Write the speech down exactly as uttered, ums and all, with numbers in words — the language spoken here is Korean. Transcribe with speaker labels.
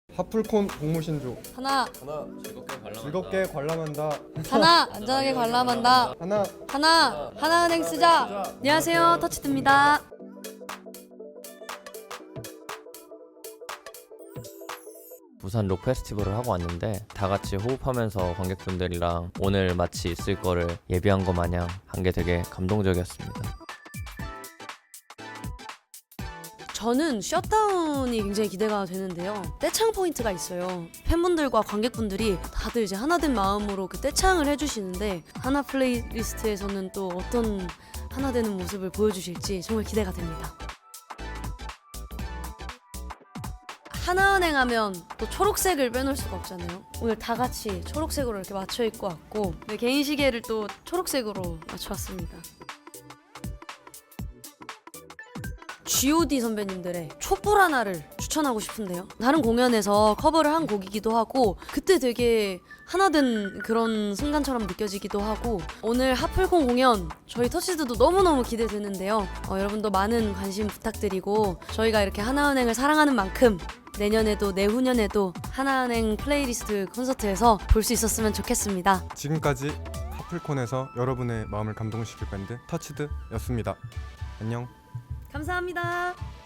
Speaker 1: 하풀콘 공모신조
Speaker 2: 하나
Speaker 3: 하나 즐겁게 관람한다.
Speaker 1: 즐겁게 관람한다.
Speaker 2: 하나 안전하게 관람한다.
Speaker 1: 하나
Speaker 2: 하나 하나은행 쓰자. 안녕하세요, 터치드입니다.
Speaker 3: 부산 록 페스티벌을 하고 왔는데 다 같이 호흡하면서 관객분들이랑 오늘 마치 있을 거를 예비한 것 마냥 한 게 되게 감동적이었습니다.
Speaker 2: 저는 셧다운이 굉장히 기대가 되는데요. 떼창 포인트가 있어요. 팬분들과 관객분들이 다들 이제 하나된 마음으로 그 떼창을 해주시는데 하나 플레이리스트에서는 또 어떤 하나 되는 모습을 보여주실지 정말 기대가 됩니다. 하나은행 하면 또 초록색을 빼놓을 수가 없잖아요. 오늘 다 같이 초록색으로 이렇게 맞춰 입고 왔고 네, 개인 시계를 또 초록색으로 맞춰왔습니다. 지 오 디 선배님들의 촛불 하나를 추천하고 싶은데요. 다른 공연에서 커버를 한 곡이기도 하고 그때 되게 하나된 그런 순간처럼 느껴지기도 하고 오늘 하플콘 공연 저희 터치드도 너무너무 기대되는데요. 어, 여러분도 많은 관심 부탁드리고 저희가 이렇게 하나은행을 사랑하는 만큼 내년에도 내후년에도 하나은행 플레이리스트 콘서트에서 볼 수 있었으면 좋겠습니다.
Speaker 1: 지금까지 하풀콘에서 여러분의 마음을 감동시킬 밴드 터치드였습니다. 안녕.
Speaker 2: 감사합니다.